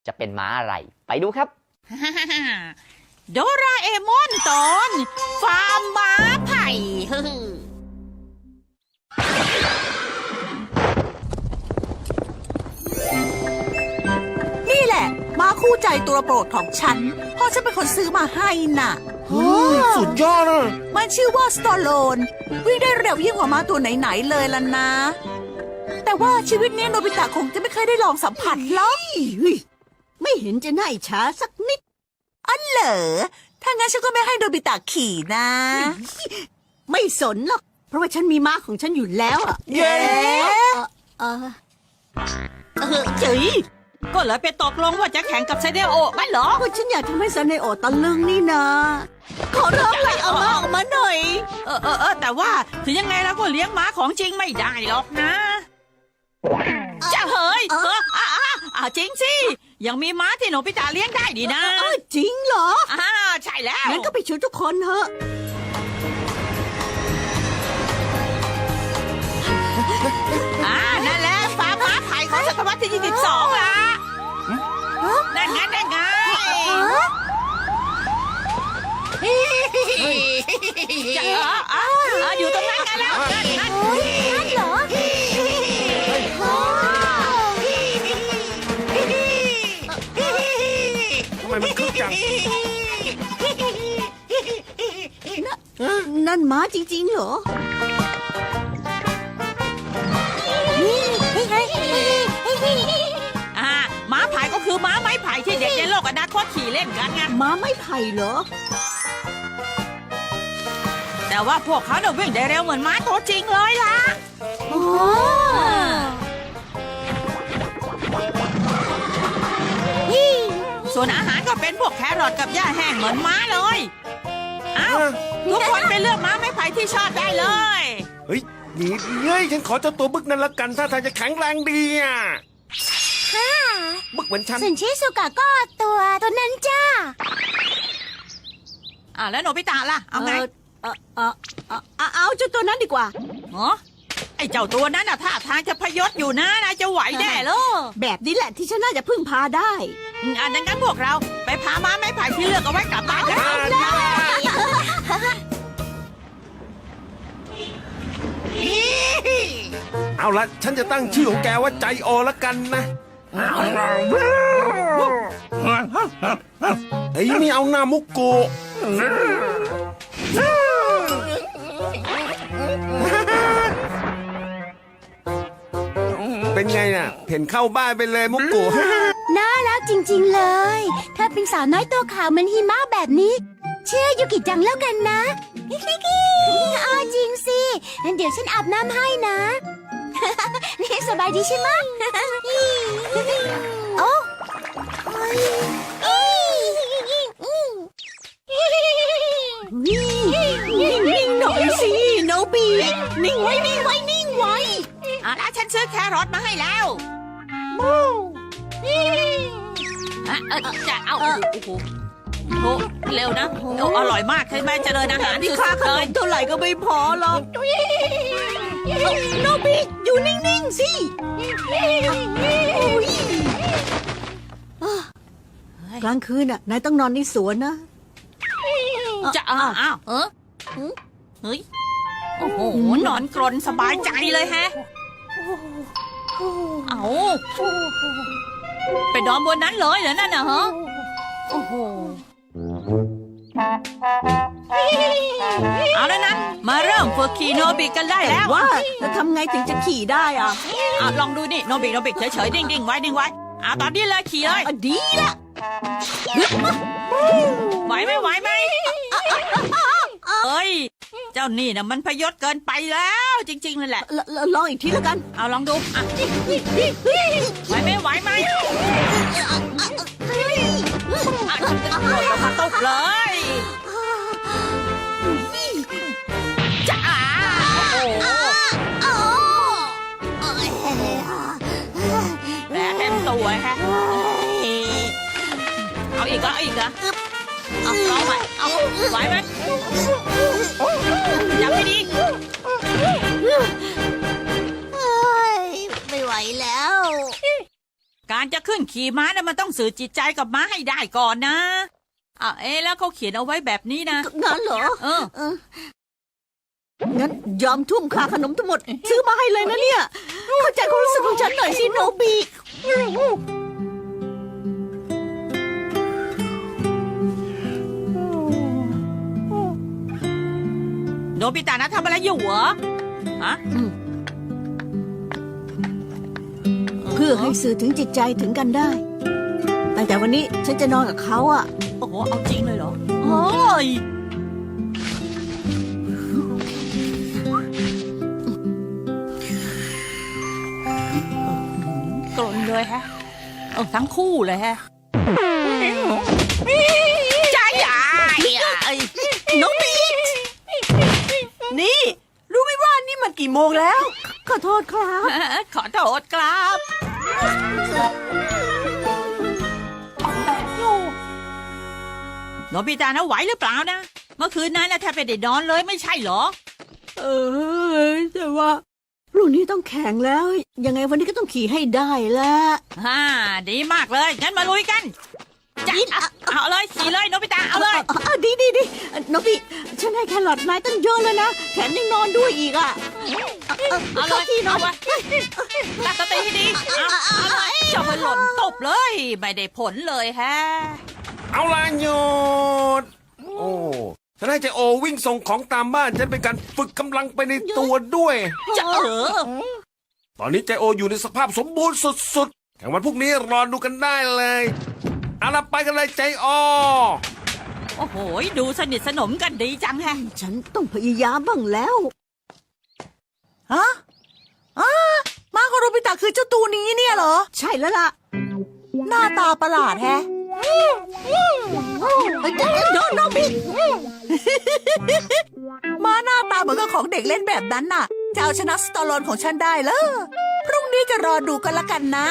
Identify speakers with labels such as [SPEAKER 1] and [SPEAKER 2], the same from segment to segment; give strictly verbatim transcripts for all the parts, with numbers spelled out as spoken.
[SPEAKER 1] จะเป็นม้าอะไรไปดูครับ
[SPEAKER 2] โดราเอมอนตอนฟาร์มม้าไผ่
[SPEAKER 3] นี่แหละม้าคู่ใจตัวโปรดของฉันพ่อฉันเป็นคนซื้อมาให้น่ะ
[SPEAKER 4] สุดยอดอ่ะ
[SPEAKER 3] มันชื่อว่าสตอโลนวิ่งได้เร็วยิ่งกว่าม้าตัวไหนๆเลยล่ะนะ แต่ว่าชีวิตนี้โนบิตะคงจะไม่เคยได้ลองสัมผัสหรอก
[SPEAKER 5] ไม่เห็นจะน่าอิจฉาสักนิด
[SPEAKER 3] อันเหรอถ้างั้นฉันก็ไม่ให้โนบิตะขี่นะ
[SPEAKER 5] ไม่สนหรอก เพราะว่าฉันมีม้าของฉันอยู่แล้วอ่ะ
[SPEAKER 3] เย้
[SPEAKER 5] เออเออเจ๋ย
[SPEAKER 2] ก็เลยไปตกลงว่าจะแข่งกับไซเดโอไม่เหรอ
[SPEAKER 5] ก็ฉันอยากทำให้ซันเนโอตะลึงนี่นะ ขอร้องเลยเอาม้าออกมาหน่อย
[SPEAKER 2] เออเออเออแต่ว่าถึงยังไงเราก็เลี้ยงม้าของจริงไม่ได้หรอกนะจะเฮ้ยเอออ่าอ่าจริงสิยังมีม้าที่โนบิตะเลี้ยงได้ดีนะ
[SPEAKER 5] เออจริงเหรอ
[SPEAKER 2] อ่าใช่แล้ว
[SPEAKER 5] งั้นก็ไปชวนทุกคนเถอะ
[SPEAKER 2] อ่านั่นแหละฟาร์มม้าไผ่ของศตวรรษที่ยี่สิบสองล่ะนั่นไงนั่นไงจะเอออ่าอยู่ตรงนั้นกันแล้วนั่นนั่น
[SPEAKER 3] นั่นเหรอ
[SPEAKER 4] ทำไมมันคึกจัง
[SPEAKER 5] นั่นม้าจริงๆเหรอ
[SPEAKER 2] อ่าม้าไผ่ก็คือม้าไม้ไผ่ที่เด็กในโลกอนาคตขี่เล่นกันไง
[SPEAKER 5] ม้าไม่ไผ่เหรอ
[SPEAKER 2] แต่ว่าพวกเขาเนี่ยวิ่งได้เร็วเหมือนม้าตัวจริงเลยล่ะ
[SPEAKER 5] อ๋อ
[SPEAKER 2] ส่วนอาหารก็เป็นพวกแครอทกับหญ้าแห้งเหมือนม้าเลยอ้าวทุกคนไปเลือกม้าไม้ไผ่ที่ชอบได้เลย
[SPEAKER 4] เฮ้ยนี่เฮ้ยฉันขอเจ้าตัวบึกนั้นละกันถ้าทางจะแข็งแรงดีอ่ะบึกเหมือนฉัน
[SPEAKER 3] ส่วนชิสุกะก็ตัวตัวนั้นจ้า
[SPEAKER 2] อ่าแล้วโนบิตะล่ะเอาไง
[SPEAKER 5] เออเออเออเออเอาเจ้าตัวนั้นดีกว่า
[SPEAKER 2] เหรอไอ้เจ้าตัวนั้นน่ะท่าทางจะพยศอยู่นะนายจะไหวแน่เลย
[SPEAKER 5] แบบนี้แหละที่ฉันน่าจะพึ่งพาได้
[SPEAKER 2] อืมอันนั้นงั้นพวกเราไปพาม้าไม้ไผ่ที่เลือกเอาไว้กลับบ้านกัน
[SPEAKER 4] เอาละฉันจะตั้งชื่อของแกว่าใจโอละกันนะเฮ้ยไม่เอาหน้ามุกโกะเป็นไงน่ะเห็นเข้าบ้านไปเลยมุกโกะ
[SPEAKER 6] น่ารักจริงๆเลย ถ้าเป็นสาวน้อยตัวขาวเหมือนหิมะแบบนี้ เชื่อยูกิจังแล้วกันนะอ้อจริงสิงั้นเดี๋ยวฉันอาบน้ำให้นะ นี่สบายดีใช่ไหมโอ้
[SPEAKER 5] นิ่งๆหน่อยสิโนบีนิ่งไว้นิ่งไว้นิ่งไว้
[SPEAKER 2] อ่ะแล้วฉันซื้อแครอทมาให้แล้วอ่ะเออจะเอาโอ้โหโอ้โหเร็วนะโอ้อร่อยมากใช่ไหมเจริญอาหาร
[SPEAKER 5] นี่
[SPEAKER 2] สุ
[SPEAKER 5] ค่า
[SPEAKER 2] ด
[SPEAKER 5] ข
[SPEAKER 2] ๆเล
[SPEAKER 5] น
[SPEAKER 2] ย
[SPEAKER 5] มเท่าไหร่ก็ไม่พอหรอกโนบีอยู่นิ่งๆสิกลางคืนน่ะนายต้องนอนในสวนนะ
[SPEAKER 2] จะอ้าวอ้าวเออเฮ้ยโอ้โหนอนกรนสบายใจเลยแฮะเอาไปนอนบนนั้นเลยเหรอนั่นน่ะฮะโอ้โหเอาแล้วนะมาเริ่มฝึกขี่โนบิกันได้แล้ว
[SPEAKER 5] ว่าจะทำไงถึงจะขี่ได้อ่ะ
[SPEAKER 2] อ่ะลองดูนี่โนบิโนบิเฉยๆดิ่งๆไว้ดิ่งไว้อ่ะตอนนี้เลยขี่เลย
[SPEAKER 5] อ่ะดีละ
[SPEAKER 2] ไหวไหมไหวไหมเอ้ยเจ้านี่นะมันพยศเกินไปแล้วจริงๆเลยแหละ
[SPEAKER 5] ลลลองอีกทีแล้วกัน
[SPEAKER 2] เอาลองดูอ่ะไหวไหมไหวไหมอ่ะโดดลงมาตกเลยจ้าโอ้โหแผลเต็มตัวฮะเอาอีกเหรอเอาอีกเหรอเอาลองใหม่เอาไหวไหมจับให้ดี
[SPEAKER 6] ไม่ไหวแล้ว
[SPEAKER 2] การการจะขึ้นขี่ม้านะมันต้องสื่อจิตใจกับม้าให้ได้ก่อนนะอ่ะเอ๊ะแล้วเขาเขียนเอาไว้แบบนี้นะ
[SPEAKER 5] งั้นเหรอ
[SPEAKER 2] เออ
[SPEAKER 5] เอองั้นยอมทุ่มค่าขนมทั้งหมด ซื้อมาให้เลยนะเนี่ย เข้าใจความรู้สึกของฉันหน่อยสิโนบิ
[SPEAKER 2] โนบิตะนะทำอะไรอยู่เหรอฮะ
[SPEAKER 5] เพื่อให้สื่อถึงจิตใจถึงกันได้ ตั้งแต่วันนี้ฉันจะนอนกับเขาอ่ะ
[SPEAKER 2] โอ้โหเอาจริงเลยเหรอโอ้ยกลนเลยฮะเออทั้งคู่เลยฮะจ้าใหญ่ไอ้
[SPEAKER 5] น้องบิ๊กนี่ รู้ไหมว่านี่มันกี่โมงแล้ว ขอโทษครับ
[SPEAKER 2] ขอโทษครับโนบิตะนะไหวหรือเปล่านะ เมื่อคืนนั้นนะแทบไม่ได้นอนเลยไม่ใช่เหรอ
[SPEAKER 5] เออแต่ว่ารุ่นนี้ต้องแข่งแล้ว ยังไงวันนี้ก็ต้องขี่ให้ได้ละ
[SPEAKER 2] ฮ่าดีมากเลยงั้นมาลุยกันจ้ะเอาเอาเลยขี่เลยโนบิตะเอาเลย
[SPEAKER 5] อ่ะดีดีดีน้องบิ๊กฉันให้แครอทนายตั้งเยอะเลยนะแถมยังนอนด้วยอีกอ่ะ
[SPEAKER 2] เอาเลย
[SPEAKER 5] ที่นอ
[SPEAKER 2] เอา
[SPEAKER 5] น
[SPEAKER 2] ไว้ตั้งสติให้ดีเอาเอาเลยจะไปหล่นตบเลย ไม่ได้ผลเลยแฮะ
[SPEAKER 4] เอาละหยุดโอ้ฉันให้เจโอวิ่งส่งของตามบ้านจะเป็นการฝึกกำลังไปในตัวด้วย
[SPEAKER 2] จะเออ
[SPEAKER 4] ตอนนี้เจโออยู่ในสภาพสมบูรณ์สุดๆแข่งวันพรุ่งนี้รอดูกันได้เลยเอาละไปกันเลยใจโอ
[SPEAKER 2] โอ้โหดูสนิทสนมกันดีจังแฮะ
[SPEAKER 5] ฉันต้องพยายามบ้างแล้ว
[SPEAKER 3] ฮะอ้าม้าของโนบิตะคือเจ้าตัวนี้เนี่ยเหรอ
[SPEAKER 5] ใช่แล้วล่ะ
[SPEAKER 3] หน้าตาประหลาดแฮะ
[SPEAKER 5] โดนน้องบิ๊ก
[SPEAKER 3] ม้าหน้าตาเหมือนกับของเด็กเล่นแบบนั้นน่ะ จะเอาชนะสตอลอนของฉันได้เหรอพรุ่งนี้จะรอดูกันละกันนะ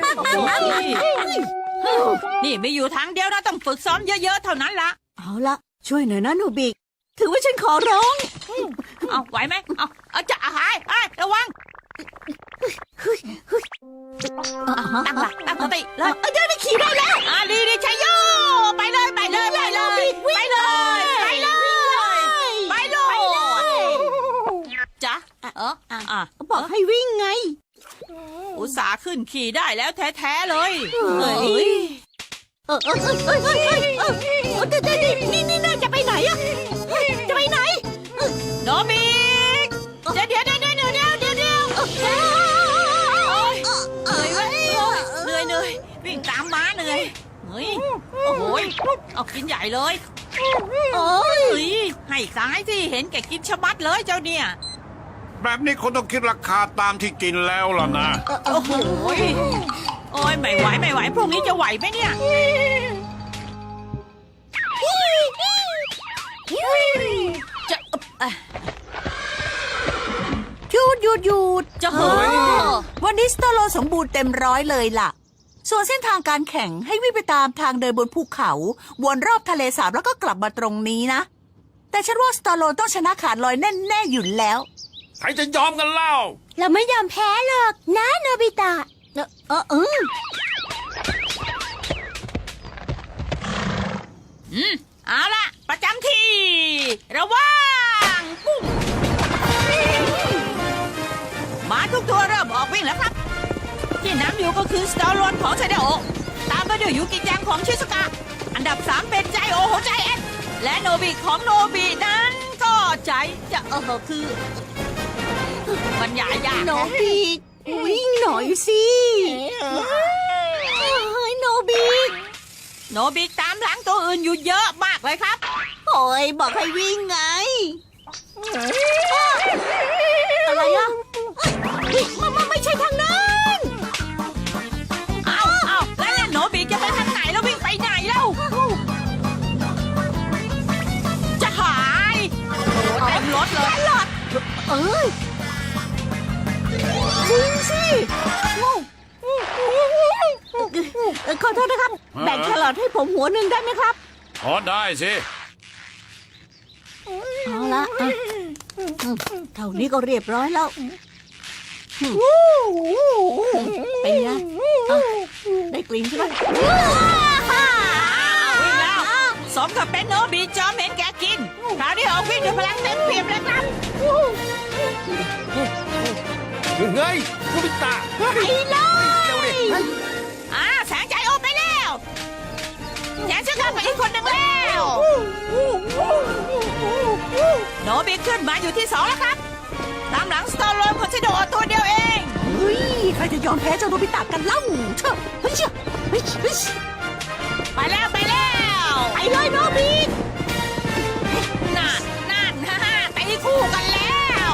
[SPEAKER 2] โอ้โหนี่ไม่อยู่ทางเดียวนะต้องฝึกซ้อมเยอะๆเท่านั้นละ
[SPEAKER 5] เอาละช่วยหน่อยนะโนบิกถือว่าฉันขอร้อง
[SPEAKER 2] เอาไหวไหมเอาเอาจะหายไอ้ยระวังตั้งหลักตั้งสติเลย
[SPEAKER 5] เดี๋ยวได้ขี่ได้แล้ว
[SPEAKER 2] อ่าดีดีชัยโยไปเลยไปเลยไปเลยไปเลยไปเลยไปเลยจ้ะเอออ่ะ
[SPEAKER 5] บอกให้วิ่งไง
[SPEAKER 2] อุตส่าห์ขึ้นขี่ได้แล้วแท้ๆเลย
[SPEAKER 5] เฮ้ย เออเออเออเออเออเออเออเดี๋ยวเดี๋ยวนี่นี่นี่จะไปไหนอะจะไปไหน
[SPEAKER 2] โนบิกเดี๋ยวเดี๋ยวเดี๋ยวเดี๋ยวเดี๋ยวเดี๋ยวเดี๋ยวเหนื่อยเว้ยเหนื่อยเหนื่อยวิ่งตามม้าเหนื่อยเฮ้ยโอ้โหเอากินใหญ่เลย
[SPEAKER 5] โอ้ย
[SPEAKER 2] เฮ้ยให้ซ้ายที่เห็นแกกินชะมัดเลยเจ้าเนี่ย
[SPEAKER 7] แบบนี้คนต้องคิดราคาตามที่กินแล้วล่ะนะ
[SPEAKER 2] โอ้โหโอ้ยไม่ไหวไม่ไหวพรุ่งนี้จะไหวไหมเนี่ย จะเอ่อ
[SPEAKER 3] หยุดหยุดหยุด
[SPEAKER 2] จะเหอะ
[SPEAKER 3] วันนี้สตอลอนสมบูรณ์เต็มร้อยเลยล่ะ ส่วนเส้นทางการแข่งให้วิ่งไปตามทางเดินบนภูเขา วนรอบทะเลสาบแล้วก็กลับมาตรงนี้นะ แต่ฉันว่าสตอลอนต้องชนะขาดลอยแน่ๆอยู่แล้ว
[SPEAKER 4] ใครจะยอมกันเล่า
[SPEAKER 6] เราไม่ยอมแพ้หรอกนะโนบิตะ
[SPEAKER 5] เออเออเออ
[SPEAKER 2] อืมเอาละประจำที่ ระวังปุ้งมาทุกตัวเริ่มออกวิ่งแล้วครับ ที่นำอยู่ก็คือสตอลอนของไซเดโอตามมาด้วยยูกิจังของชิสกะ อันดับสามเป็นใจโอของใจแอนและโนบิของโนบินั้นก็ใจจะเออคือ มันยากยาก
[SPEAKER 5] โนบิกวิ่งหน่อยสิเฮ้ยโนบิก
[SPEAKER 2] โนบิตามหลังตัวอื่นอยู่เยอะมากเลยครับ
[SPEAKER 5] โอ้ยบอกให้วิ่งไง อะไรอ่ะเฮ้ยมันมันไม่ใช่ทางนั้น
[SPEAKER 2] เอาเอาแล้วเนี่ยโนบิจะไปทางไหนแล้ววิ่งไปไหนแล้ว จะหายโอ้เต็มรถเลย
[SPEAKER 5] เอ้ยวิ่งสิเอ่อขอโทษนะครับ แบ่งแครอทให้ผมหัวหนึ่งได้ไหมครับ
[SPEAKER 7] พอได้สิ
[SPEAKER 5] เอาละอ่ะอืมเท่านี้ก็เรียบร้อยแล้วเป็นไงอ่ะได้กลิ่นใช่ไหม
[SPEAKER 2] วิ่งแล้วสมกับเป็นโนบิจอมเห็นแกกินคราวนี้ออกวิ่งด้วยพลังเต็มเปี่ยมเลยครับ
[SPEAKER 4] เฮ้ยโนบิตะเฮ้ยเร็วดิเฮ้ย
[SPEAKER 2] อ่าแสงใจโอไปแล้วแสงชื่อข้าไปอีกคนหนึ่งแล้วโนบิขึ้นมาอยู่ที่สองแล้วครับตามหลังสตอร์โลนของชิโดโอตัวเดียวเอง
[SPEAKER 3] เฮ้ย ใครจะยอมแพ้เจ้าโนบิตะกันเล่าเชอะเฮ้ยเชอะเฮ้ยเฮ้ย
[SPEAKER 2] ไปแล้วไปแล้ว
[SPEAKER 5] ไปเลยโนบิ
[SPEAKER 2] นั่นนั่นฮ่าฮ่าตีคู่กันแล้ว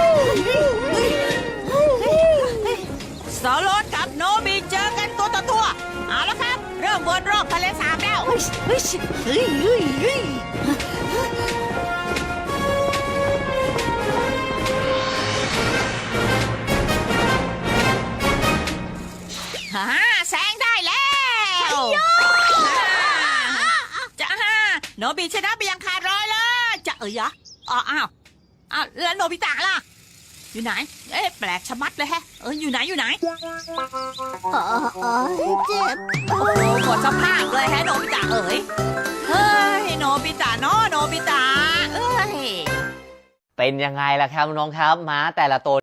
[SPEAKER 2] สตอร์โลนกับโนบิเจอกันตัวต่อตัวเอาละครับ เริ่มวนรอบทะเลสาบแล้ว
[SPEAKER 3] เฮ้ยเฮ้ยเฮ้ยเฮ้ยเฮ้ย
[SPEAKER 2] ฮ่าแซงได้แล้วจะฮ่าโนบิชนะไปยังขาดร้อยเลยจะเอ้ยอะอ๋ออ้าวอ้าวแล้วโนบิตะล่ะ อยู่ไหน เอ๊ะแปลกชะมัดเลยแฮะ เอออยู่ไหนอยู่ไหน
[SPEAKER 5] อ๋ออ๋อเจ็บ
[SPEAKER 2] โอ้โหหมดสภาพเลยแฮะโนบิตะเอ๋ยเฮ้ยโนบิตะเนาะโนบิตะเอ้ย
[SPEAKER 1] เป็นยังไงล่ะครับน้องๆครับม้าแต่ละตัว